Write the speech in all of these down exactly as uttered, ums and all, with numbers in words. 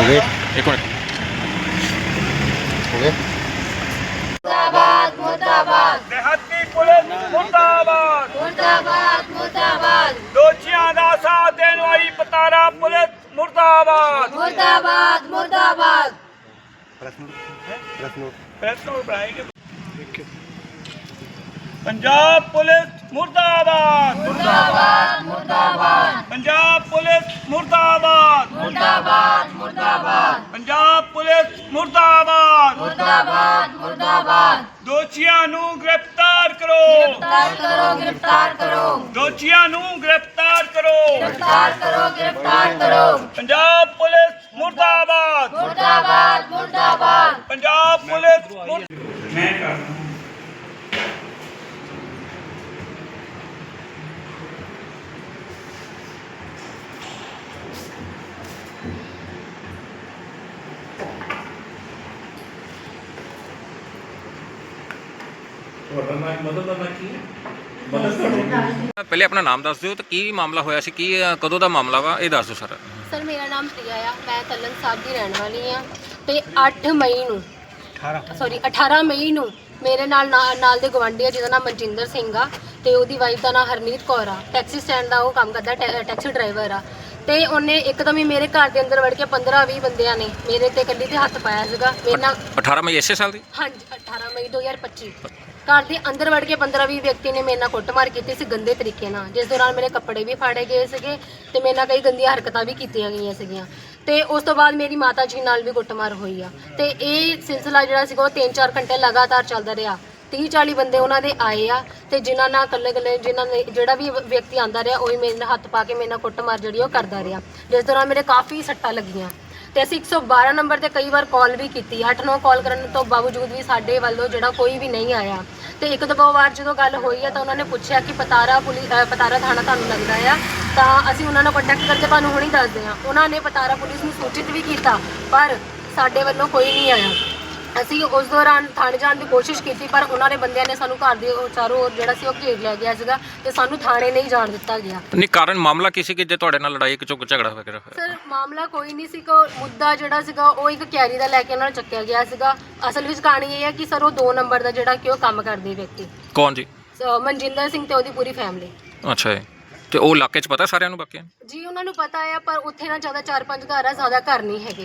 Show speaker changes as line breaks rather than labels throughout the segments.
गए
एक मिनट
हो गए
मुर्दाबाद मुर्दाबाद
देहाती पुलिस मुर्दाबाद
मुर्दाबाद मुर्दाबाद
दोषियों का साथ देने वाली पतारा पुलिस मुर्दाबाद
मुर्दाबाद मुर्दाबाद
प्रेस नोट बनाएंगे पंजाब पुलिस मुर्दाबाद
मुर्दाबाद मुर्दाबाद
पंजाब पुलिस मुर्दाबाद
मुर्दाबाद मुर्दाबाद
पंजाब पुलिस मुर्दाबाद
मुर्दाबाद मुर्दाबाद
दोषियों नू गिरफ्तार करो
गिरफ्तार करो गिरफ्तार करो
दोषियों नू गिरफ्तार करो
गिरफ्तार करो गिरफ्तार करो
पंजाब पुलिस मुर्दाबाद
मुर्दाबाद मुर्दाबाद
पंजाब पुलिस मुर्द- मैं कर रहा हूं।
ਪਹਿਲੇ ਆਪਣਾ ਨਾਮ ਦੱਸ ਦਿਓ ਤੇ ਕੀ ਮਾਮਲਾ ਹੋਇਆ ਸੀ, ਕੀ ਅ, ਕਦੋਂ ਦਾ ਮਾਮਲਾ ਵਾ, ਇਹ ਦੱਸ ਦਿਓ ਸਰ।
ਸਰ ਮੇਰਾ ਨਾਮ ਪ੍ਰਿਆ ਆ, ਮੈਂ ਤਲਨ ਸਾਹਿਬ ਦੀ ਰਹਿਣ ਵਾਲੀ ਆ ਤੇ ਅੱਠ ਮਈ ਨੂੰ ਸੌਰੀ ਅਠਾਰਾਂ ਮਈ ਨੂੰ ਮੇਰੇ ਨਾਲ ਨਾ- ਨਾਲ ਦੇ ਗਵਾਂਢੀ ਆ ਜਿਹਦਾ ਨਾਮ ਮਨਜਿੰਦਰ ਸਿੰਘ ਆ ਤੇ ਉਹਦੀ ਵਾਈਫ ਦਾ ਨਾਮ ਹਰਨੀਤ ਕੌਰ ਆ। ਟੈਕਸੀ ਸਟੈਂਡ ਦਾ ਉਹ ਕੰਮ ਕਰਦਾ, ਟੈ- ਟੈਕਸੀ ਡਰਾਈਵਰ ਆ। ਤੇ ਉਹਨੇ ਇੱਕਦਮ ਹੀ ਮੇਰੇ ਘਰ ਦੇ ਅੰਦਰ ਵੜ ਕੇ ਪੰਦਰਾਂ ਵੀਹ ਬੰਦਿਆਂ ਨੇ ਮੇਰੇ ਤੇ ਕੱਲੀ ਤੇ ਹੱਥ ਪਾਇਆ ਸੀਗਾ। ਮੇਰੇ ਨਾਲ
ਅਠਾਰਾਂ ਮਈ ਇਸੇ ਸਾਲ ਦੀ?
ਹਾਂਜੀ ਅਠਾਰਾਂ ਮਈ ਦੋ ਹਜ਼ਾਰ ਪੱਚੀ ਘਰ ਦੇ ਅੰਦਰ ਵੜ ਕੇ ਪੰਦਰਾਂ ਵੀਹ ਵਿਅਕਤੀ ਨੇ ਮੇਰੇ ਨਾਲ ਕੁੱਟਮਾਰ ਕੀਤੀ ਸੀ ਗੰਦੇ ਤਰੀਕੇ ਨਾਲ, ਜਿਸ ਦੌਰਾਨ ਮੇਰੇ ਕੱਪੜੇ ਵੀ ਫਾੜੇ ਗਏ ਸੀਗੇ ਤੇ ਮੇਰੇ ਨਾਲ ਕਈ ਗੰਦੀਆਂ ਹਰਕਤਾਂ ਵੀ ਕੀਤੀਆਂ ਗਈਆਂ ਸੀਗੀਆਂ। ਤੇ ਉਸ ਤੋਂ ਬਾਅਦ ਮੇਰੀ ਮਾਤਾ ਜੀ ਨਾਲ ਵੀ ਕੁੱਟਮਾਰ ਹੋਈ ਆ ਤੇ ਇਹ ਸਿਲਸਿਲਾ ਜਿਹੜਾ ਸੀਗਾ ਉਹ ਤਿੰਨ ਚਾਰ ਘੰਟੇ ਲਗਾਤਾਰ ਚੱਲਦਾ ਰਿਹਾ। ਤੀਹ ਚਾਲੀ ਬੰਦੇ ਉਹਨਾਂ ਦੇ ਆਏ ਆ ਤੇ ਜਿਨ੍ਹਾਂ ਨਾਲ ਇਕੱਲੇ ਇਕੱਲੇ ਜਿਨ੍ਹਾਂ ਨੇ ਜਿਹੜਾ ਵੀ ਵਿਅਕਤੀ ਆਂਦਾ ਰਿਹਾ ਉਹੀ ਮੇਰੇ ਨਾਲ ਹੱਥ ਪਾ ਕੇ ਮੇਰੇ ਨਾਲ ਕੁੱਟਮਾਰ ਜਿਹੜੀ ਉਹ ਕਰਦਾ ਰਿਹਾ, ਜਿਸ ਦੌਰਾਨ ਮੇਰੇ ਕਾਫੀ ਸੱਟਾਂ ਲੱਗੀਆਂ। ਤੇ ਅਸੀਂ ਇੱਕ ਸੌ ਬਾਰਾਂ ਨੰਬਰ ਤੇ ਕਈ ਵਾਰ ਕਾਲ ਵੀ ਕੀਤੀ, ਅੱਠ ਨੌ ਕਾਲ ਕਰਨ ਤੋਂ ਬਾਵਜੂਦ ਵੀ ਸਾਡੇ ਵੱਲੋਂ ਜਿਹੜਾ ਕੋਈ ਵੀ ਨਹੀਂ ਆਇਆ। ਤੇ ਇੱਕ ਦੋ ਵਾਰ ਜਦੋਂ ਗੱਲ ਹੋਈ ਆ ਤਾਂ ਉਹਨਾਂ ਨੇ ਪੁੱਛਿਆ ਕਿ ਪਤਾਰਾ ਪੁਲਿਸ ਪਤਾਰਾ ਥਾਣਾ ਤੁਹਾਨੂੰ ਲੱਗਦਾ ਆ, ਤਾਂ ਅਸੀਂ ਉਹਨਾਂ ਨਾਲ ਕੰਟੈਕਟ ਕਰਕੇ ਤੁਹਾਨੂੰ ਹੁਣੀ ਦੱਸਦੇ ਹਾਂ। ਉਹਨਾਂ ਨੇ ਪਤਾਰਾ ਪੁਲਿਸ ਨੂੰ ਸੂਚਿਤ ਵੀ ਕੀਤਾ ਪਰ ਸਾਡੇ ਵੱਲੋਂ ਕੋਈ ਨਹੀਂ ਆਇਆ। ਅਸੀਂ ਉਸ ਦੌਰਾਨ ਥਾਣੇ ਜਾਣ ਦੀ ਕੋਸ਼ਿਸ਼ ਕੀਤੀ ਪਰ ਉਹਨਾਂ ਦੇ ਬੰਦਿਆਂ ਨੇ ਸਾਨੂੰ ਘਰ ਦੇ ਉਹ ਚਾਰੋਂ ओर ਜਿਹੜਾ ਸੀ ਉਹ ਘੇਰ ਲਿਆ ਗਿਆ ਸੀਗਾ ਤੇ ਸਾਨੂੰ ਥਾਣੇ ਨਹੀਂ ਜਾਣ ਦਿੱਤਾ ਗਿਆ।
ਨਹੀਂ, ਕਾਰਨ ਮਾਮਲਾ ਕੀ ਸੀ ਕਿ ਜੇ ਤੁਹਾਡੇ ਨਾਲ ਲੜਾਈ ਇੱਕ ਚੁੱਕ ਝਗੜਾ ਵਗੈਰਾ ਹੋਇਆ?
ਸਰ ਮਾਮਲਾ ਕੋਈ ਨਹੀਂ ਸੀ, ਕੋ ਮੁੱਦਾ ਜਿਹੜਾ ਸੀਗਾ ਉਹ ਇੱਕ ਕੈਰੀ ਦਾ ਲੈ ਕੇ ਉਹਨਾਂ ਨੂੰ ਚੱਕਿਆ ਗਿਆ ਸੀਗਾ। ਅਸਲ ਵਿੱਚ ਕਹਾਣੀ ਇਹ ਹੈ ਕਿ ਸਰ ਉਹ ਦੋ ਨੰਬਰ ਦਾ ਜਿਹੜਾ ਕਿ ਉਹ ਕੰਮ ਕਰਦੇ ਵਿਅਕਤੀ
ਕੌਣ ਜੀ?
ਸ- ਮਨਜਿੰਦਰ ਸਿੰਘ ਤੇ ਉਹਦੀ ਪੂਰੀ ਫੈਮਿਲੀ।
ਅੱਛਾ ਜੀ, ਤੇ ਉਹ ਇਲਾਕੇ 'ਚ ਪਤਾ ਸਾਰਿਆਂ ਨੂੰ ਬਾਕੀਆਂ ਨੂੰ?
ਜੀ ਉਹਨਾਂ ਨੂੰ ਪਤਾ ਹੈ ਪਰ ਉੱਥੇ ਨਾ ਜ਼ਿਆਦਾ ਚਾਰ ਪੰਜ ਘਰ ਆ, ਜ਼ਿਆਦਾ ਘਰ ਨਹੀਂ ਹੈਗੇ।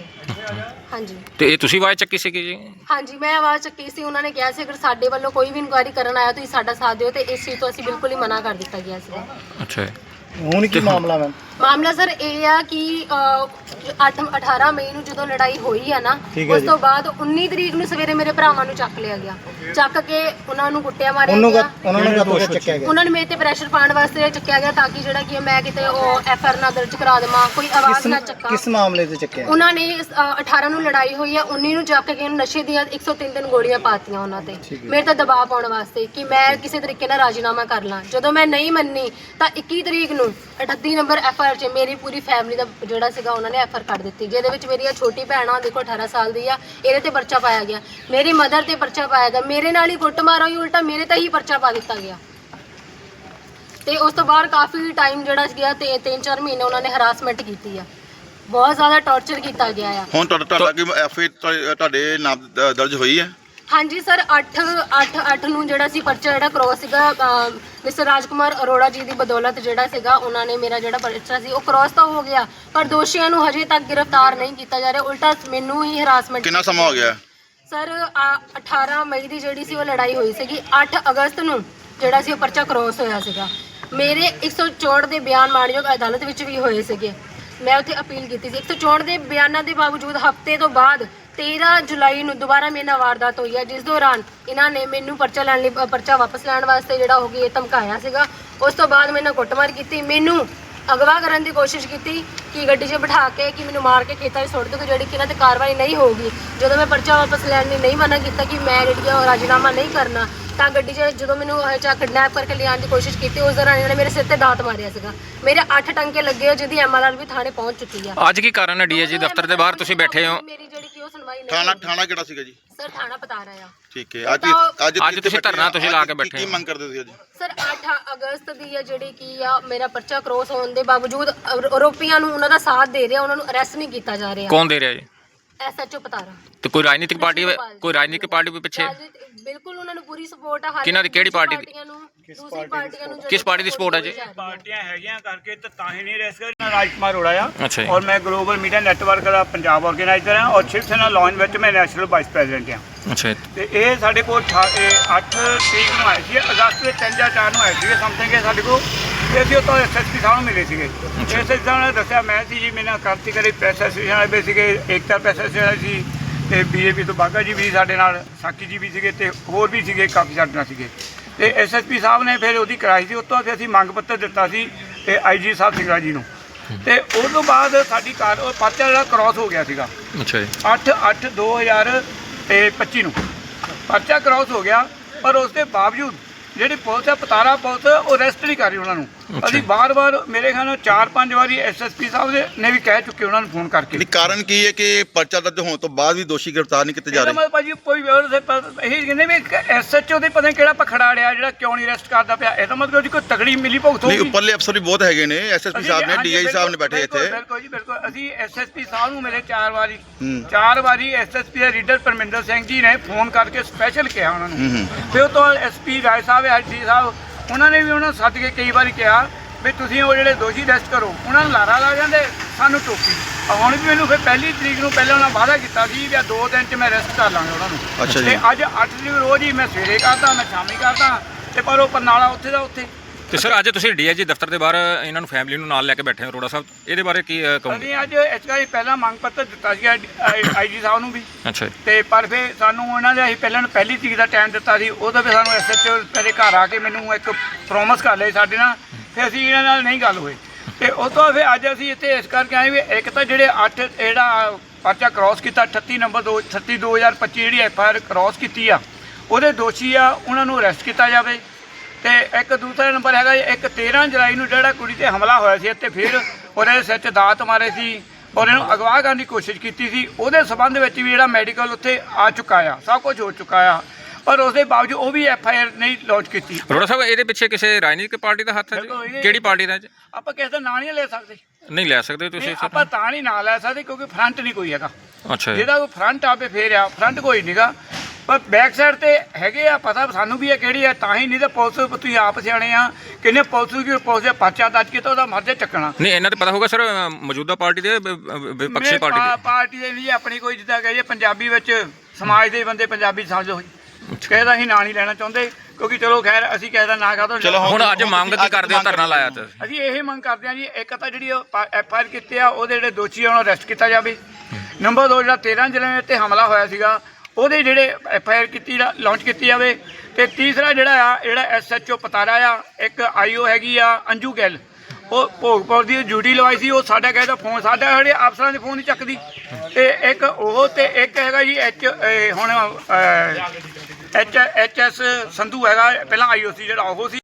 ਹਾਂਜੀ
ਤੇ ਇਹ ਤੁਸੀਂ ਆਵਾਜ਼ ਚੱਕੀ ਸੀਗੀ ਜੀ?
ਹਾਂਜੀ ਮੈਂ ਆਵਾਜ਼ ਚੱਕੀ ਸੀ। ਉਹਨਾਂ ਨੇ ਕਿਹਾ ਸੀ ਅਗਰ ਸਾਡੇ ਵੱਲੋਂ ਕੋਈ ਵੀ ਇਨਕੁਆਇਰੀ ਕਰਨ ਆਇਆ ਤੁਸੀਂ ਸਾਡਾ ਸਾਥ ਦਿਓ ਤੇ ਇਸ ਚੀਜ਼ ਤੋਂ ਅਸੀਂ ਬਿਲਕੁਲ ਹੀ ਮਨਾ ਕਰ ਦਿੱਤਾ ਗਿਆ ਸੀਗਾ।
ਅੱਛਾ ਜੀ,
ਹੁਣ ਕੀ ਮਾਮਲਾ ਮੈਮ?
ਮਾਮਲਾ ਸਰ ਇਹ ਆ ਕਿ ਅੱਠ ਅਠਾਰਾਂ ਮਈ ਨੂੰ ਜਦੋਂ ਲੜਾਈ ਹੋਈ ਆ ਨਾ
ਠੀਕ ਹੈ
ਉਸ
ਜੀ।
ਤੋਂ ਬਾਅਦ ਉੱਨੀ ਤਰੀਕ ਨੂੰ ਸਵੇਰੇ ਮੇਰੇ ਭਰਾਵਾਂ ਨੂੰ ਚੱਕ ਲਿਆ ਗਿਆ, ਚੱਕ ਕੇ ਉਹਨਾਂ ਨੂੰ ਕੁੱਟਿਆ ਮਾਰਿਆ
ਉਹਨੂੰ
ਗਿਆ।
ਉਹਨਾਂ ਨੂੰ ਕਦੋਂ ਚੱਕਿਆ ਗਿਆ?
ਉਹਨਾਂ ਨੇ ਮੇਰੇ ਤੇ ਪ੍ਰੈਸ਼ਰ ਪਾਉਣ ਵਾਸਤੇ ਚੱਕਿਆ ਗਿਆ ਤਾਂ ਕਿ ਜਿਹੜਾ ਕਿ ਮੈਂ ਕਿਤੇ ਉਹ ਐਫ ਆਰ ਨਾ ਦਰਜ ਕਰਾ ਦੇਵਾਂ, ਕੋਈ ਆਵਾਜ਼ ਨਾ ਚੱਕਾਂ।
ਕਿਸ ਮਾਮਲੇ ਤੇ ਚੱਕਿਆ?
ਉਹਨਾਂ ਨੇ ਅ, ਅਠਾਰਾਂ ਨੂੰ ਲੜਾਈ ਹੋਈ ਆ, ਉੱਨੀ ਨੂੰ ਚੱਕ ਕੇ ਨਸ਼ੇ ਦੀਆਂ ਇੱਕ ਸੌ ਤਿੰਨ ਤਿੰਨ ਗੋਲੀਆਂ ਪਾਤੀਆਂ ਉਹਨਾਂ ਤੇ ਮੇਰੇ ਤੇ ਦਬਾਅ ਪਾਉਣ ਵਾਸਤੇ ਕਿ ਮੈਂ ਕਿਸੇ ਤਰੀਕੇ ਨਾਲ ਰਾਜੀਨਾਮਾ ਕਰ ਲਾਂ। ਜਦੋਂ ਮੈਂ ਨਹੀਂ ਮੰਨੀ ਤਾਂ ਇੱਕੀ ਤਰੀਕ ਨੂੰ ਅਠੱਤੀ ਨੰਬਰ ਐਫ ਆਰ 'ਚ ਮੇਰੀ ਪੂਰੀ ਫੈਮਿਲੀ ਦਾ ਜਿਹੜਾ ਸੀਗਾ ਉਹਨਾਂ ਨੇ ਐਫ ਆਰ ਕੱਢ ਦਿੱਤੀ, ਜਿਹਦੇ ਵਿੱਚ ਮੇਰੀ ਛੋਟੀ ਭੈਣ ਆ ਦੇਖੋ ਅਠਾਰਾਂ ਸਾਲ ਦੀ ਆ, ਇਹਦੇ ਤੇ ਪਰਚਾ ਪਾਇਆ ਗਿਆ। ਮੇਰੀ ਮਦਰ ਤੇ ਪਰਚਾ ਪਾਇਆ ਗਿਆ, ਮੇਰੇ ਨਾਲ ਹੀ ਕੁੱਟਮਾਰ ਹੋਈ, ਉਲਟਾ ਮੇਰੇ ਤੇ ਹੀ ਪਰਚਾ ਪਾ ਦਿੱਤਾ ਗਿਆ। ਤੇ ਉਸ ਤੋਂ ਬਾਅਦ ਕਾਫੀ ਟਾਈਮ ਜਿਹੜਾ ਗਿਆ ਤੇ ਤਿੰਨ ਚਾਰ ਮਹੀਨੇ ਉਹਨਾਂ ਨੇ ਹਰਾਸਮੈਂਟ ਕੀਤੀ ਆ, ਬਹੁਤ ਜ਼ਿਆਦਾ ਟੌਰਚਰ ਕੀਤਾ ਗਿਆ ਆ।
ਹੁਣ ਤੁਹਾਡਾ ਤੁਹਾਡਾ ਕੀ ਐਫ ਆਈ ਤੁਹਾਡੇ ਨਾਮ ਦ- ਦਰਜ ਹੋਈ ਹੈ?
ਹਾਂਜੀ ਸਰ ਅੱਠ ਅੱਠ ਅੱਠ ਨੂੰ ਜਿਹੜਾ ਸੀ ਪਰਚਾ ਜਿਹੜਾ ਕ੍ਰੋਸ ਸੀਗਾ ਮਿਸਟਰ ਰਾਜਕੁਮਾਰ ਅਰੋੜਾ ਜੀ ਦੀ ਬਦੌਲਤ ਜਿਹੜਾ ਸੀਗਾ ਉਹਨਾਂ ਨੇ ਮੇਰਾ ਜਿਹੜਾ ਪਰਚਾ ਸੀ ਉਹ ਕ੍ਰੋਸ ਤਾਂ ਹੋ ਗਿਆ ਪਰ ਦੋਸ਼ੀਆਂ ਨੂੰ ਹਜੇ ਤੱਕ ਗ੍ਰਿਫਤਾਰ ਨਹੀਂ ਕੀਤਾ ਜਾ ਰਿਹਾ, ਉਲਟਾ ਮੈਨੂੰ ਹੀ ਹਰਾਸਮੈਂਟ।
ਕਿੰਨਾ ਸਮਾਂ ਹੋ ਗਿਆ?
ਸਰ ਅਠਾਰਾਂ ਮਈ ਦੀ ਜਿਹੜੀ ਸੀ ਉਹ ਲੜਾਈ ਹੋਈ ਸੀਗੀ, ਅੱਠ ਅਗਸਤ ਨੂੰ ਜਿਹੜਾ ਸੀ ਉਹ ਪਰਚਾ ਕ੍ਰੋਸ ਹੋਇਆ ਸੀਗਾ। ਮੇਰੇ ਇੱਕ ਸੌ ਚੌਂਹਠ ਦੇ ਬਿਆਨ ਮਾਣਯੋਗ ਅਦਾਲਤ ਵਿੱਚ ਵੀ ਹੋਏ ਸੀਗੇ, ਮੈਂ ਉੱਥੇ ਅਪੀਲ ਕੀਤੀ ਸੀ। ਇੱਕ ਸੌ ਚੌਂਹਠ ਦੇ ਬਿਆਨਾਂ ਦੇ ਬਾਵਜੂਦ ਹਫ਼ਤੇ ਤੋਂ ਬਾਅਦ ਤੇਰਾਂ ਜੁਲਾਈ ਨੂੰ ਦੁਬਾਰਾ ਮੇਰੇ ਨਾਲ ਵਾਰਦਾਤ ਹੋਈ ਹੈ, ਜਿਸ ਦੌਰਾਨ ਇਹਨਾਂ ਨੇ ਮੈਨੂੰ ਪਰਚਾ ਲੈਣ ਲਈ ਪਰਚਾ ਵਾਪਸ ਲੈਣ ਵਾਸਤੇ ਜਿਹੜਾ ਹੋ ਗਿਆ ਧਮਕਾਇਆ ਸੀਗਾ। ਉਸ ਤੋਂ ਬਾਅਦ ਮੇਰੇ ਨਾਲ ਕੁੱਟਮਾਰ ਕੀਤੀ, ਮੈਨੂੰ ਅਗਵਾ ਕਰਨ ਦੀ ਕੋਸ਼ਿਸ਼ ਕੀਤੀ ਕਿ ਗੱਡੀ 'ਚ ਬਿਠਾ ਕੇ ਕਿ ਮੈਨੂੰ ਮਾਰ ਕੇ ਖੇਤਾਂ 'ਚ ਸੁੱਟ ਦਿਓ, ਜਿਹੜੀ ਕਿ ਇਹਨਾਂ 'ਤੇ ਕਾਰਵਾਈ ਨਹੀਂ ਹੋਊਗੀ। ਜਦੋਂ ਮੈਂ ਪਰਚਾ ਵਾਪਸ ਲੈਣ ਲਈ ਨਹੀਂ ਮਨਾ ਕੀਤਾ ਕਿ ਮੈਂ ਜਿਹੜੀ ਆ ਰਾਜੀਨਾਮਾ ਨਹੀਂ ਕਰਨਾ, ਤਾਂ ਗੱਡੀ 'ਚ ਜਦੋਂ ਮੈਨੂੰ ਚਾ ਕਿਡਨੈਪ ਕਰਕੇ ਲਿਆਉਣ ਦੀ ਕੋਸ਼ਿਸ਼ ਕੀਤੀ ਉਸ ਦੌਰਾਨ ਇਹਨਾਂ ਨੇ ਮੇਰੇ ਸਿਰ ਤੇ ਦਾਤ ਮਾਰਿਆ ਸੀਗਾ। ਮੇਰੇ ਅੱਠ ਟੰਕੇ ਲੱਗੇ ਹੋਏ ਜਿਹਦੀ ਐਮ ਆਰ ਆਰ ਵੀ ਥਾਣੇ ਪਹੁੰਚ ਚੁੱਕੀ ਆ।
ਅੱਜ ਕੀ ਕਾਰਨ ਹੈ ਡੀਏਜੀ ਦਫ਼ਤਰ ਦੇ ਬਾਹਰ ਤੁਸੀਂ ਬੈਠੇ ਹੋ?
ਮੇਰੀ ਜਿਹੜੀ ਕਿ ਉਹ ਸੁਣਵਾਈ ਨਹੀਂ
ਥਾਣਾ ਥਾਣਾ ਕਿਹੜਾ ਸੀਗਾ ਜੀ?
ਸਰ ਥਾਣਾ ਪਤਾਰਾ ਆ।
ਠੀਕ ਹੈ, ਅੱਜ ਅੱਜ
ਅੱਜ ਤੁਸੀਂ ਧਰਨਾ ਤੁਸੀਂ ਲਾ ਕੇ ਬੈਠੇ
ਕੀ
ਹੋ।
ਮੰਗ ਕਰਦੇ ਸੀ ਅੱਜ?
ਸਰ ਅੱਠ ਅਗਸਤ ਦੀ ਆ ਜਿਹੜੀ ਕੀ ਆ ਮੇਰਾ ਪਰਚਾ ਕ੍ਰੋਸ ਹੋਣ ਦੇ ਬਾਵਜੂਦ ਆਰੋਪੀਆਂ ਨੂੰ ਉਹਨਾਂ ਦਾ ਸਾਥ ਦੇ ਰਿਹਾ, ਉਹਨਾਂ ਨੂੰ ਅਰੈਸਟ ਨਹੀਂ ਕੀਤਾ ਜਾ ਰਿਹਾ।
ਕੌਣ ਦੇ ਰਿਹਾ ਜੀ?
ਐਸਐਚਓ ਪਤਾਰਾ।
ਤੇ ਕੋਈ ਰਾਜਨੀਤਿਕ ਪਾਰਟੀ
ਗੋਪਾਲ।
ਕੋਈ ਰਾਜਨੀਤਿਕ ਪਾਰਟੀ ਵੀ ਪਿੱਛੇ
ਰਾਜਨੀਤਿਕ- ਬਿਲਕੁਲ ਉਹਨਾਂ ਨੂੰ ਪੂਰੀ ਸਪੋਰਟ ਆ। ਹਰ
ਕਿਹਨਾਂ ਦੀ- ਕਿਹੜੀ
ਦੂਸਰੀ
ਪਾਰਟੀ ਦੀ?
ਪਾਰਟੀਆਂ ਨੂੰ ਦੂਸਰੀ ਪਾਰਟੀਆਂ ਨੂੰ
ਕਿਸ ਪਾਰਟੀ ਦੀ support ਹੈ ਜੀ?
ਪਾਰਟੀਆਂ ਹੈਗੀਆਂ ਕਰਕੇ ਤਾਂ ਤਾਂ ਹੀ ਨਹੀਂ ਰੈਸ ਕਰ ਰਾਜਕੁਮਾਰ ਅਰੋੜਾ ਆ
ਅੱਛਾ ਜੀ।
ਔਰ ਮੈਂ ਗਲੋਬਲ ਮੀਡੀਆ ਨੈਟਵਰਕ ਦਾ ਪੰਜਾਬ ਆਰਗੇਨਾਈਜ਼ਰ ਹਾਂ ਔਰ ਸ਼ਿਵ ਸੈਨਾ ਲਾਂਚ ਵਿੱਚ ਮੈਂ ਨੈਸ਼ਨਲ ਵਾਈਸ ਪ੍ਰੈਜ਼ੀਡੈਂਟ ਹਾਂ।
ਅੱਛਾ ਜੀ।
ਤੇ ਇਹ ਸਾਡੇ ਕੋਲ ਅੱਠ ਤਰੀਕ ਨੂੰ ਆਏ ਸੀ, ਅਗਸਤ ਦੇ ਤਿੰਨ ਜਾਂ ਚਾਰ ਨੂੰ ਆਏ ਸੀਗੇ ਸਮਥਿੰਗ ਕਿ ਸਾਡੇ ਕੋਲ, ਤੇ ਅਸੀਂ ਉੱਥੋਂ ਐਸਐਸਪੀ ਸਾਹਿਬ ਨੂੰ ਮਿਲੇ ਸੀਗੇ। ਐਸਐਸਪੀ ਸਾਹਿਬ ਨੇ ਦੱਸਿਆ ਮੈਂ ਸੀ ਜੀ, ਮੇਰੇ ਨਾਲ ਕ੍ਰਾਂਤੀਕਾਰੀ ਪ੍ਰੈਸ ਐਸੋਸੀਏਸ਼ਨ ਵਾਲੇ ਵੀ ਸੀਗੇ, ਏਕਤਾ ਪ੍ਰੈਸ ਐਸੋਸੀਏਸ਼ਨ ਸੀ, ਤੇ ਬੀਜੇਪੀ ਤੋਂ ਬਾਗਾ ਜੀ ਵੀ ਸਾਡੇ ਨਾਲ, ਸਾਕੀ ਜੀ ਵੀ ਸੀਗੇ, ਤੇ ਹੋਰ ਵੀ ਸੀਗੇ ਕਾਫੀ ਸਾਡੇ ਨਾਲ ਸੀਗੇ। ਤੇ ਐਸਐਸਪੀ ਸਾਹਿਬ ਨੇ ਫਿਰ ਉਹਦੀ ਕਰਾਈ ਸੀ, ਉੱਥੋਂ ਫਿਰ ਅਸੀਂ ਮੰਗ ਪੱਤਰ ਦਿੱਤਾ ਸੀ ਤੇ ਆਈਜੀ ਸਾਹਿਬ ਸਿੰਘਲਾ ਜੀ ਨੂੰ, ਤੇ ਉਸ ਤੋਂ ਬਾਅਦ ਸਾਡੀ ਕਾਰ ਉਹ ਪਰਚਾ ਜਿਹੜਾ ਕ੍ਰਾਸ ਹੋ ਗਿਆ ਸੀਗਾ
ਅੱਛਾ ਜੀ।
ਅੱਠ ਅੱਠ ਦੋ ਹਜ਼ਾਰ ਤੇ ਪੱਚੀ ਨੂੰ ਪਰਚਾ ਕ੍ਰਾਸ ਹੋ ਗਿਆ, ਪਰ ਉਸ ਦੇ ਬਾਵਜੂਦ ਜਿਹੜੀ ਪੁਲਿਸ ਹੈ ਪਤਾਰਾ ਪੁਲਿਸ ਉਹ ਅਰੈਸਟ ਨਹੀਂ ਕਰ ਰਹੀ ਉਹਨਾਂ ਨੂੰ। ਅਸੀਂ ਵਾਰ-ਵਾਰ ਮੇਰੇ ਖਿਆਲ ਨਾਲ ਚਾਰ ਪੰਜ ਵਾਰੀ ਐਸਐਸਪੀ ਸਾਹਿਬ ਦੇ ਨੇ ਵੀ ਕਹਿ ਚੁੱਕੇ ਉਹਨਾਂ ਨੂੰ ਫੋਨ ਕਰਕੇ।
ਨਹੀਂ ਕਾਰਨ ਕੀ ਹੈ ਕਿ ਪਰਚਾ ਦਰਜ ਹੋਣ ਤੋਂ ਬਾਅਦ ਵੀ ਦੋਸ਼ੀ ਗ੍ਰਿਫਤਾਰ ਨਹੀਂ ਕੀਤੇ ਜਾ
ਇਹਦਾ
ਰਹੇ?
ਮਤਲਬ ਭਾਜੀ ਕੋਈ ਇਹ ਕਹਿੰਦੇ ਵੀ ਐਸਐਚਓ ਦੇ ਪਤਾ ਨਹੀਂ ਕਿਹੜਾ ਪਖੜਾ ਰਿਹਾ ਜਿਹੜਾ ਕਿਉਂ ਨਹੀਂ ਅਰੈਸਟ ਕਰਦਾ ਪਿਆ। ਇਹਦਾ ਮਤਲਬ ਉਹਦੀ ਕੋਈ ਤਗੜੀ ਮਿਲੀ ਭੁਗਤ
ਨਹੀਂ
ਹੋਊਗੀ।
ਉੱਪਰਲੇ ਅਫਸਰ ਵੀ ਬਹੁਤ ਹੈਗੇ ਨੇ, ਐਸਐਸਪੀ
ਅਸੀਂ-
ਸਾਹਿਬ ਨੇ,
ਹਾਂਜੀ,
ਡੀਆਈ ਸਾਹਿਬ ਨੇ ਬੈਠੇ
ਬਿਲਕੁਲ,
ਇੱਥੇ।
ਬਿਲਕੁਲ ਜੀ ਬਿਲਕੁਲ। ਅਸੀਂ ਐਸਐਸਪੀ ਸਾਹਿਬ ਨੂੰ ਮਿਲੇ ਚਾਰ ਵਾਰੀ
ਹੂੰ।
ਚਾਰ ਵਾਰੀ ਐਸਐਸਪੀ ਦੇ ਰੀਡਰ ਪਰਮਿੰਦਰ ਸਿੰਘ ਜੀ ਨੇ ਫੋਨ ਕਰਕੇ ਸਪੈਸ਼ਲ ਕਿਹਾ ਉਹਨਾਂ
ਹੂੰ,
ਨੂੰ।
ਹੂੰ।
ਫਿਰ ਉਹ ਤੋਂ ਐਸਪੀ ਰਾਏ ਸਾਹਿਬ ਐਸਡੀ ਸਾਹਿਬ ਉਹਨਾਂ ਨੇ ਵੀ ਉਹਨਾਂ ਨੂੰ ਸੱਦ ਕੇ ਕਈ ਵਾਰੀ ਕਿਹਾ ਵੀ ਤੁਸੀਂ ਉਹ ਜਿਹੜੇ ਦੋਸ਼ੀ ਅਰੈਸਟ ਕਰੋ। ਉਹਨਾਂ ਨੂੰ ਲਾਰਾ ਲਾ ਜਾਂਦੇ ਸਾਨੂੰ ਟੋਪੀ। ਹੁਣ ਵੀ ਮੈਨੂੰ ਫਿਰ ਪਹਿਲੀ ਤਰੀਕ ਨੂੰ ਪਹਿਲਾਂ ਉਹਨਾਂ ਵਾਅਦਾ ਕੀਤਾ ਸੀ ਵੀ ਆ ਦੋ ਦਿਨ 'ਚ ਮੈਂ ਅਰੈਸਟ ਕਰ ਲਾਂਗਾ ਉਹਨਾਂ ਨੂੰ।
ਅੱਛਾ ਜੀ।
ਤੇ ਅੱਜ ਅੱਠ ਤਰੀਕ ਰੋਜ਼ ਹੀ ਮੈਂ ਸਵੇਰੇ ਕਰਦਾ, ਮੈਂ ਸ਼ਾਮੀ ਕਰਦਾ, ਤੇ ਪਰ ਉਹ ਪਰਨਾਲਾ ਉੱਥੇ ਦਾ ਉੱਥੇ।
ਤੇ ਸਰ ਅੱਜ ਤੁਸੀਂ ਡੀਆਈਜੀ ਦਫ਼ਤਰ ਦੇ ਬਾਹਰ ਇਹਨਾਂ ਨੂੰ ਫੈਮਿਲੀ ਨੂੰ ਨਾਲ ਲੈ ਕੇ ਬੈਠੇ ਹੋ ਅਰੋੜਾ ਸਾਹਿਬ, ਇਹਦੇ ਬਾਰੇ ਕੀ ਅ, ਕਹੋਗੇ?
ਅਸੀਂ ਅੱਜ ਇਸ ਵਾਰੀ ਪਹਿਲਾਂ ਮੰਗ ਪੱਤਰ ਦਿੱਤਾ ਸੀ ਆਈਜੀ ਸਾਹਿਬ ਨੂੰ ਵੀ,
ਅੱਛਾ ਜੀ।
ਤੇ ਪਰ ਫਿਰ ਸਾਨੂੰ ਉਹਨਾਂ ਦੇ ਅਸੀਂ ਪਹਿਲਾਂ ਨੂੰ ਪਹਿਲੀ ਤਰੀਕ ਦਾ ਟਾਈਮ ਦਿੱਤਾ ਸੀ। ਉਹਦਾ ਫਿਰ ਸਾਨੂੰ ਐਸਐਚਓ ਮੇਰੇ ਘਰ ਆ ਕੇ ਮੈਨੂੰ ਇੱਕ ਪ੍ਰੋਮਿਸ ਕਰ ਲਈ ਸਾਡੇ ਨਾਲ, ਫਿਰ ਅਸੀਂ ਇਹਨਾਂ ਨਾਲ ਨਹੀਂ ਗੱਲ ਹੋਈ। ਤੇ ਉਸ ਤੋਂ ਫਿਰ ਅੱਜ ਅਸੀਂ ਇੱਥੇ ਇਸ ਕਰਕੇ ਆਏ ਵੀ ਇੱਕ ਤਾਂ ਜਿਹੜੇ ਅੱਠ ਜਿਹੜਾ ਪਰਚਾ ਕ੍ਰਾਸ ਕੀਤਾ ਅਠੱਤੀ ਨੰਬਰ ਦੋ ਅਠੱਤੀ ਦੋ ਹਜ਼ਾਰ ਪੱਚੀ ਜਿਹੜੀ ਐਫ ਆਈ ਆਰ ਕ੍ਰਾਸ ਕੀਤੀ ਆ ਉਹਦੇ ਦੋਸ਼ੀ ਆ ਉਹਨਾਂ ਨੂੰ ਅਰੈਸਟ ਕੀਤਾ ਜਾਵੇ। ਤੇ ਇੱਕ ਦੂਸਰਾ ਨੰਬਰ ਹੈਗਾ ਇੱਕ ਤੇਰ੍ਹਾਂ ਜੁਲਾਈ ਨੂੰ ਜਿਹੜਾ ਕੁੜੀ ਤੇ ਹਮਲਾ ਹੋਇਆ ਸੀ ਅਤੇ ਫਿਰ ਉਹਦੇ ਸਿਰ 'ਚ ਦਾਤ ਮਾਰੇ ਸੀ ਔਰ ਇਹਨੂੰ ਅਗਵਾ ਕਰਨ ਦੀ ਕੋਸ਼ਿਸ਼ ਕੀਤੀ ਸੀ, ਉਹਦੇ ਸੰਬੰਧ ਵਿੱਚ ਵੀ ਜਿਹੜਾ ਮੈਡੀਕਲ ਉੱਥੇ ਆ ਚੁੱਕਾ ਆ, ਸਭ ਕੁਝ ਹੋ ਚੁੱਕਾ ਆ, ਪਰ ਉਸ ਦੇ ਬਾਵਜੂਦ ਉਹ ਵੀ ਐਫ ਆਈ ਆਰ ਨਹੀਂ ਲੌਂਚ ਕੀਤੀ।
ਅਰੋੜਾ ਸਾਹਿਬ ਇਹਦੇ ਪਿੱਛੇ ਕਿਸੇ ਰਾਜਨੀਤਿਕ ਪਾਰਟੀ ਦਾ ਹੱਥ ਹੈ ਜੀ?
ਬਿਲਕੁਲ, ਇਹ-
ਕਿਹੜੀ ਪਾਰਟੀ ਦਾ ਜੀ?
ਆਪਾਂ ਕਿਸੇ ਦਾ ਨਾਂ ਨਹੀਂ ਲੈ ਸਕਦੇ।
ਨਹੀਂ ਲੈ ਸਕਦੇ ਤੁਸੀਂ
ਨਹੀਂ,
ਸਰ?
ਆਪਾਂ ਤਾਂ ਨਹੀਂ ਨਾਂ ਲੈ ਸਕਦੇ ਕਿਉਂਕਿ ਫਰੰਟ ਨਹੀਂ ਕੋਈ ਹੈਗਾ।
ਅੱਛਾ ਜੀ।
ਜਿਹਦਾ ਕੋਈ ਫਰੰਟ ਆਪੇ ਫੇਰ ਆ, ਫਰੰਟ ਕੋਈ ਨਹੀਂਗਾ, ਪਰ ਬੈਕ ਸਾਈਡ ਤੇ ਹੈਗੇ ਆ, ਪਤਾ ਸਾਨੂੰ ਵੀ ਇਹ ਕਿਹੜੀ ਆ, ਤਾਂ ਹੀ ਨਹੀਂ ਤਾਂ ਪੁਲਿਸ ਤੁਸੀਂ ਆਪ ਸਿਆਣੇ ਆ ਕਿੰਨੇ ਪੁਲਿਸ ਕੀ ਪੁਲਿਸ ਦੇ ਪਰਚਾ ਦਰਜ ਕੀਤਾ ਉਹਦਾ ਮਰਜ਼ੇ ਚੱਕਣਾ।
ਨਹੀਂ ਇਹਨਾਂ ਤੇ ਪਤਾ ਹੋਗਾ ਸਰ ਮੌਜੂਦਾ ਪਾਰਟੀ ਦੇ ਵ- ਵ- ਵਿਪਕਸ਼ੀ
ਮੇਰੇ
ਪਾਰਟੀ
ਪਾ-
ਦੇ?
ਪਾਰਟੀ ਦੇ ਵੀ ਆਪਣੀ ਕੋਈ ਜਿੱਦਾਂ ਕਹੀਏ ਪੰਜਾਬੀ ਵਿੱਚ ਸਮਾਜ ਦੇ ਬੰਦੇ ਪੰਜਾਬੀ ਸਮਝੋ ਕਿਸੇ ਦਾ ਅਸੀਂ ਨਾਂ ਨਹੀਂ ਲੈਣਾ ਚਾਹੁੰਦੇ ਕਿਉਂਕਿ ਚਲੋ ਖੈਰ ਅਸੀਂ ਕਿਸੇ ਦਾ ਨਾਂ ਕਾਹਤੋਂ
ਚਲੋ
ਹੁਣ ਅੱਜ ਮੰਗ ਕੀ ਕਰਦੇ ਹੋ ਧਰਨਾ ਲਾਇਆ ਤੇ?
ਅਸੀਂ ਇਹ ਮੰਗ ਕਰਦੇ ਹਾਂ ਜੀ, ਇੱਕ ਤਾਂ ਜਿਹੜੀ ਐਫ ਆਈ ਆਰ ਕੀਤੀ ਆ ਉਹਦੇ ਜਿਹੜੇ ਦੋਸ਼ੀ ਆ ਉਹਨਾਂ ਨੂੰ ਅਰੈਸਟ ਕੀਤਾ ਜਾਵੇ। ਨੰਬਰ ਦੋ ਜਿਹੜਾ ਤੇਰ੍ਹਾਂ ਜੁਲਾਈ ਤੇ ਹਮਲਾ ਹੋਇਆ ਸੀਗਾ ਉਹਦੇ ਜਿਹੜੇ ਐਫ ਆਈ ਆਰ ਕੀਤੀ ਲਾਂਚ ਕੀਤੀ ਜਾਵੇ। ਤੇ ਤੀਸਰਾ ਜਿਹੜਾ ਆ ਜਿਹੜਾ ਐਸ ਐਚ ਓ ਪਤਾਰਾ ਆ, ਇੱਕ ਆਈ ਓ ਹੈਗੀ ਆ ਅੰਜੂ ਗਿੱਲ, ਉਹ ਭੋਗਪੁਰ ਦੀ ਡਿਊਟੀ ਲਵਾਈ ਸੀ, ਉਹ ਸਾਡਾ ਕਿਸੇ ਦਾ ਫੋਨ ਸਾਡਾ ਜਿਹੜੇ ਅਫਸਰਾਂ ਦੇ ਫੋਨ ਨਹੀਂ ਚੱਕਦੀ। ਤੇ ਇੱਕ ਉਹ ਤੇ ਇੱਕ ਹੈਗਾ ਜੀ ਐਚ ਹੁਣ ਐਚ ਐਚ ਐਸ ਸੰਧੂ ਹੈਗਾ, ਪਹਿਲਾਂ ਆਈ ਓ ਸੀ ਜਿਹੜਾ ਉਹ ਸੀ।